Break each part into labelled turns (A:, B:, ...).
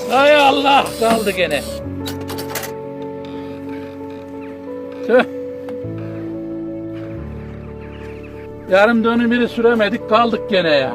A: Hay Allah, kaldı gene. Tüh. Yarım dönüm biri süremedik, kaldık gene ya.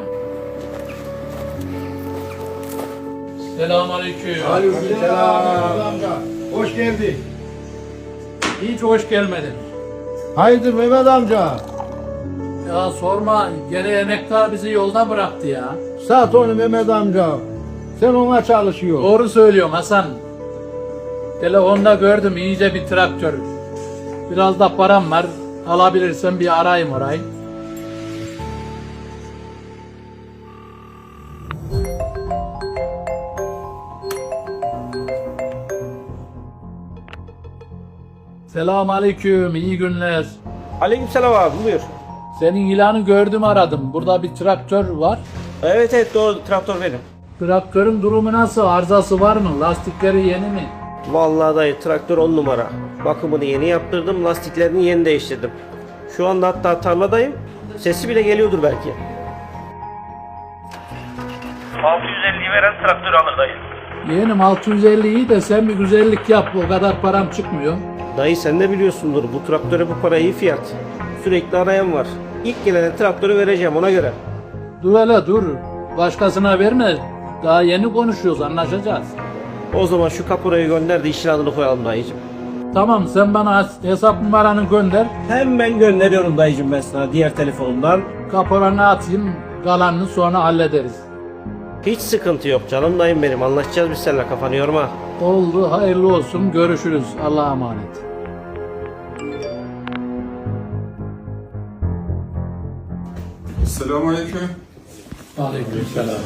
A: Selamünaleyküm.
B: Aleykümselam. Hoş geldin.
A: Hiç hoş gelmedin.
B: Hayırdır Mehmet amca?
A: Ya sorma, gene emektar bizi yolda bıraktı ya.
B: Sat onu Mehmet amca. Sen ona çalışıyorsun.
A: Doğru söylüyorsun Hasan. Telefonda gördüm iyice bir traktör. Biraz da param var. Alabilirsen bir arayayım orayı. Selamünaleyküm, iyi günler.
C: Aleykümselam abi, buyur.
A: Senin ilanı gördüm, aradım. Burada bir traktör var.
C: Evet doğru, traktör benim.
A: Traktörün durumu nasıl? Arızası var mı? Lastikleri yeni mi?
C: Vallahi dayı, traktör 10 numara. Bakımını yeni yaptırdım, lastiklerini yeni değiştirdim. Şu anda hatta tarladayım. Sesi bile geliyordur belki. 650'yi veren traktör alır dayı.
A: Yeğenim 650'yi de sen bir güzellik yap. O kadar param çıkmıyor.
C: Dayı sen de biliyorsundur, bu traktöre bu para iyi fiyat. Sürekli arayan var. İlk gelene traktörü vereceğim ona göre.
A: Dur hele dur. Başkasına verme. Daha yeni konuşuyoruz, anlaşacağız.
C: O zaman şu kaporayı gönder de işin adını koyalım dayıcım.
A: Tamam, sen bana hesap numaranı gönder.
C: Hemen gönderiyorum dayıcım ben sana diğer telefonumdan.
A: Kaporanı atayım. Kalanını sonra hallederiz.
C: Hiç sıkıntı yok canım dayım benim, anlaşacağız biz seninle, kafanı yorma.
A: Oldu, hayırlı olsun. Görüşürüz. Allah'a emanet.
D: Selamünaleyküm.
A: Aleykümselam.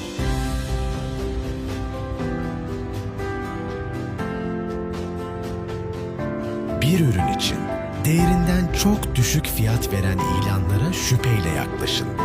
E: Bir ürün için değerinden çok düşük fiyat veren ilanlara şüpheyle yaklaşın.